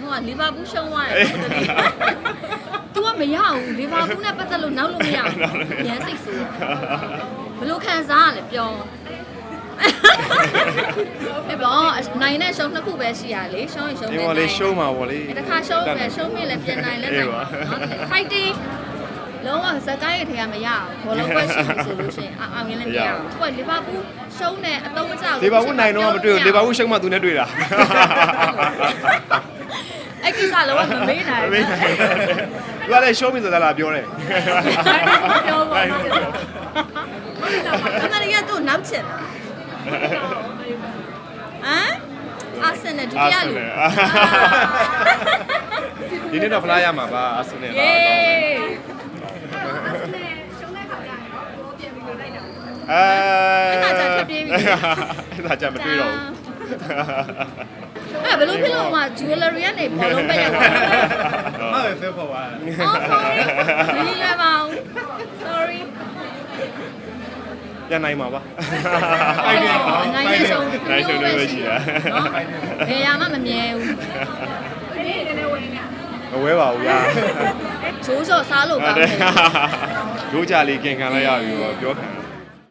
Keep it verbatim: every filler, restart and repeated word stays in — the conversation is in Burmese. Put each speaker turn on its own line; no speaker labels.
ဟိုကလီဗာပူးရှုံးသွားတယ်तू ကမရဘူးလီဗာပူးနဲ့ပတ်သက်လို့နောက်လို့မရဘူးရမ်းစိတ်ဆိုးဘလို့ခံစားရလဲပြောအဲ့တော့နိုင်နဲ့ရှုံးနှစ်ခုပဲရှိရလေရှုံးရင်ရှုံးတယ်
ဒီမှာလေးရှုံးမှာပေါ့လေ
တခါရှုံးမယ်ရှုံးမြင့်လည်းပြန်နိုင်လဲနိုင်ပါနော် fighting လုံးဝဇက်ကိုင်းရဲ့ထဲကမရဘူးဘောလုံးပွဲရှိပြီဆိုလို့ရှိရင်အောင်ရင်လည်းမရဘူးသူကလီဗာပူးရှုံးတယ်အတော့မကြောက်ဘူး
လီဗာပူးနိုင်တော့မတွေ့ဘူးလီဗာပူးရှုံးမှသူနဲ့တွေ့တာ
အဲ့ကိစ္စလုံးဝမမေးနိုင်ဘူး
သူကလည်းရှုံးပြီဆိုတာလားပြောတယ်
ပြောပါဦးခဏလေးကတော့နောက်ချင်တာဟမ်အာဆင်နယ်ဒုတိယလူ
ဒီနေ့တော့ဖလားရမှာပါအာဆင်နယ်ပါအဲ
အဲ့ဒါကြာဖြစ်ပြေးပြီ
အဲ့ဒါကြာမတွေ့တော့ဘူး
အဲ့ဘယ်လိုဖြစ်လို့မှ jewelry ကနေဘောလုံးပဲရောက်သွားလဲ
ဟုတ်တယ်ဆက်ပေါ်ပါ
အော် sorry ဒီလွယ်ပါဦး sorry
ပြန်နိုင်မှာပါ
နိုင်နေဆုံး
နိုင်ဆုံးလို့ရှိတာ
နော်ဘယ်ရမှမမြဲဘူး
မဝဲပါဘူးညာ
ဂျိုးစော်စားလို့ကောင်းတယ်
ဂျိုးကြလေးကင်ခံလိုက်ရပြီပေါ့ပြောခံ